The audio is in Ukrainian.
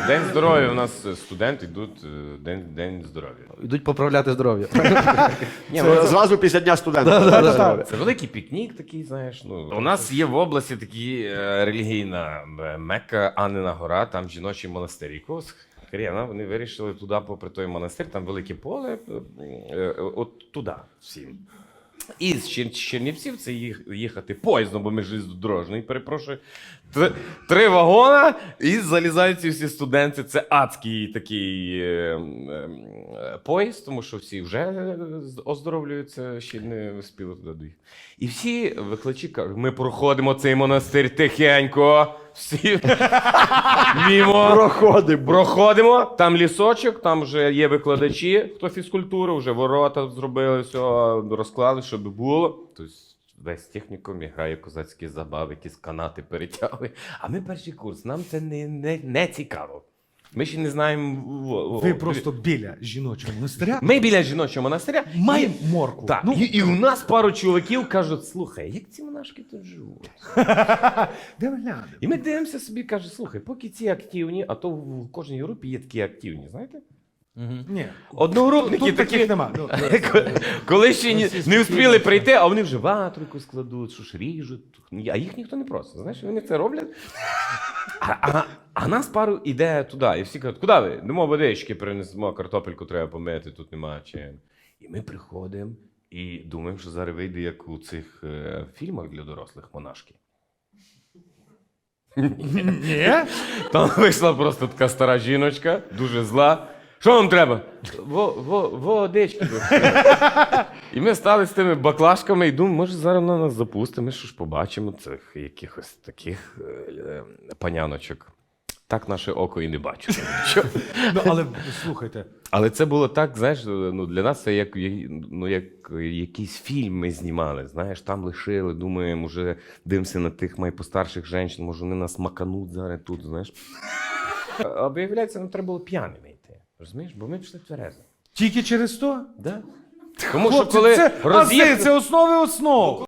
День здоров'я. У нас студенти йдуть, день здоров'я. Йдуть поправляти здоров'я. Ні, Це зразу після Дня студента. це великий пікнік такий, знаєш. У нас є в області такі релігійна Мекка, Аннина гора, там жіночий монастир. Якогось хрена вони вирішили туди, попри той монастир, там велике поле, от туди всім. І з Чернівців це їхати поїздом, бо ми железнодорожний, перепрошую. 3 вагона і залізають ці всі студенти. Це адський такий поїзд, тому що всі вже оздоровлюються, ще не встигли туди доїхати. І всі викладачі кажуть, ми проходимо цей монастир тихенько, всі мімо. Проходимо, там лісочок, там вже є викладачі, хто фізкультуру, вже ворота зробили, все розклали, щоб було. Тобто весь технікум грає козацькі забави, якісь канати перетягли. А ми перший курс, нам це не цікаво. Ми ще не знаємо... Ви просто біля жіночого монастиря. Ми біля жіночого монастиря. Маємо моркву. Так, і у нас пару чоловіків кажуть, слухай, як ці монашки тут живуть? Де ви глянемо? І ми дивимося собі, каже, слухай, поки ці активні, а то в кожній групі є такі активні, знаєте? Ні. Одногрупники Тут такі, таких нема. Ну, коли ще не встигли прийти, а вони вже ватрику складуть, що ж ріжуть, а їх ніхто не просить, знаєш, вони це роблять. А нас пару іде туди, і всі кажуть, куди ви? Йдемо водички, принесемо, картопельку треба помити, тут немає чим. І ми приходимо і думаємо, що зараз вийде, як у цих фільмах для дорослих монашки. Ні? Там вийшла просто така стара жіночка, дуже зла. Що вам треба? Водички. І ми стали з тими баклажками і думаємо, може зараз вона нас запустить, ми що ж побачимо цих якихось таких паняночок. Так наше око і не бачило. Ну, але слухайте. Але це було так, знаєш, ну, для нас це як якийсь фільм ми знімали, знаєш, там лишили, думаємо, вже дивимося на тих майпостарших жінок, може вони нас макануть зараз тут, знаєш. А виявляється, нам треба було п'яними йти, розумієш, бо ми пішли тверезо. Тільки через то? Да? Тому Хлопці, що коли це основи основ.